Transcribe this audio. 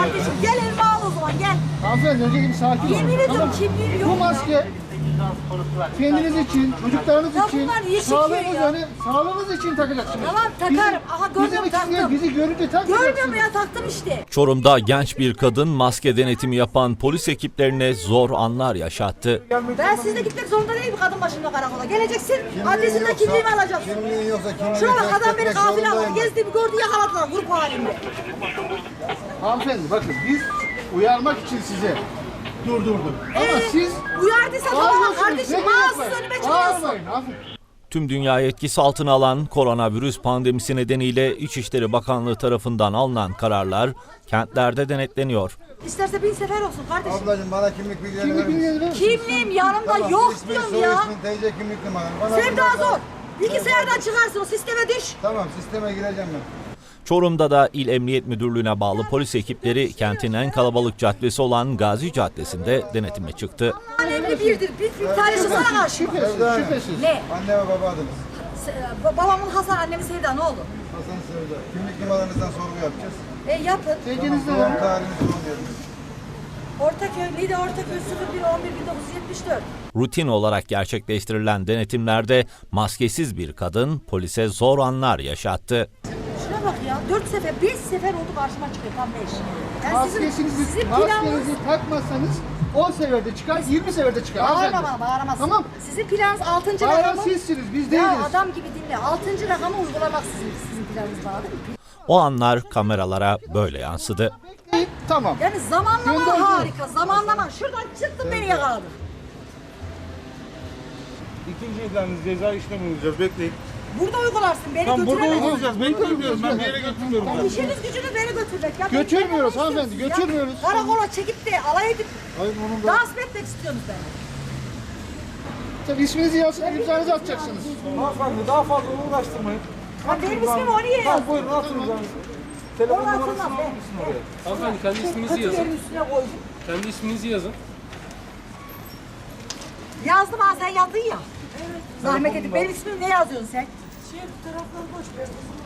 Kardeşim gel elime al o zaman gel. Hanımefendi önce bir sakin olun. Yemin ediyorum Tamam. kimliğim yok Bu maske kendiniz için, çocuklarınız Ya için, bunlar niye çekiyor ya? sağlığınız için takacaksınız. Tamam takarım. Aha görmüyorum taktım. Bizi görünce takmayacaksınız. Görmüyorum ya taktım işte. Çorum'da genç bir kadın maske denetimi yapan polis ekiplerine zor anlar yaşattı. Ben sizle gitmek zorunda değilim kadın başında karakola. Geleceksin adresinde kimliğimi alacaksın. Kimliğin yoksa kimliğini Şuna bak adam beni etmek kafile aldı. zorundayım. Gezdiğimi gördü yakaladılar grup halinde. Hanımefendi bakın biz uyarmak için size durdurduk. Ama siz Uyardıysa tamam kardeşim mağazasız önüme çıkıyorsun. Bağırmayın hanımefendi. Tüm dünyayı etkisi altına alan koronavirüs pandemisi nedeniyle İçişleri Bakanlığı tarafından alınan kararlar kentlerde denetleniyor. İsterse 1000 sefer olsun kardeşim. Ablacığım bana kimlik bilgilerini Kimlik verir misin? bilgileri verir misiniz? Kimliğim yanımda Tamam, yok ismin, diyorum soy ya. ismin, TC kimlik numaran. Bana Sevda bunlardan- zor. Bilgisayardan çıkarsın o sisteme düş. Tamam sisteme gireceğim ben. Çorum'da da İl Emniyet Müdürlüğü'ne bağlı polis ekipleri kentin en kalabalık caddesi olan Gazi Caddesi'nde denetime çıktı. Önemli birdir. Bir tanesi sana karşı. Şüphesiz, Sevda. şüphesiz. Ne? Anne ve baba adınız. Babamın Hasan, annemin Sevda ne oldu? Hasan Sevda. Kimlik numaranızdan sorgu yapacağız. Yapın. Sevginizle Doğum verin. tarihinizi bilmiyoruz. Ortaköy, Lide Ortaköy 01-11-1974. Rutin olarak gerçekleştirilen denetimlerde maskesiz bir kadın polise zor anlar yaşattı. Şuna bak ya 4 sefer 5 sefer oldu karşıma çıkıyor tam 5. Yani sizin planınız Maskenizi takmazsanız 10 seferde çıkar, 20 seferde çıkar. bağırma hanımefendi. bana bağıramazsın. Tamam. Sizin planınız 6. Bağıran rakamı. sizsiniz, biz değiliz. Ya adam gibi dinle 6. rakamı uygulamak sizin planınız bağlı değil mi? O anlar kameralara böyle yansıdı. Tamam. Yani zamanlama Gönderici. harika zamanlama. Şuradan çıktım beni yakaladı. İkinci iddianız ceza işlemi uygulayacağız. Bekleyin. Burada uygularsın beni Tamam burada götüremezsin. uygulayacağız. Bekleyin diyorum. Ben bir yere götürmüyorum. Ya işiniz gücünüz beni götürmek. Ya Götürmüyoruz ben hanımefendi, istiyorsunuz ya. götürmüyoruz. Karakola çekip de alay edip Hayır onun da... dans mı etmek istiyorsunuz beni? Tabii isminizi yazın, imzanızı atacaksınız. Hanımefendi daha fazla uğraştırmayın. Ya benim ismim o niye Tamam yazdın? buyurun atın imzanızı. Onu Telefon atılmaz numarasını be. alır mısın oraya? Hanımefendi kendi isminizi yazın. Kötülerin üstüne koydum. Kendi isminizi yazın. Yazdım ha sen yazdın ya. Zahmet edip benim ismimi ne yazıyorsun sen? Tarafları boş ver.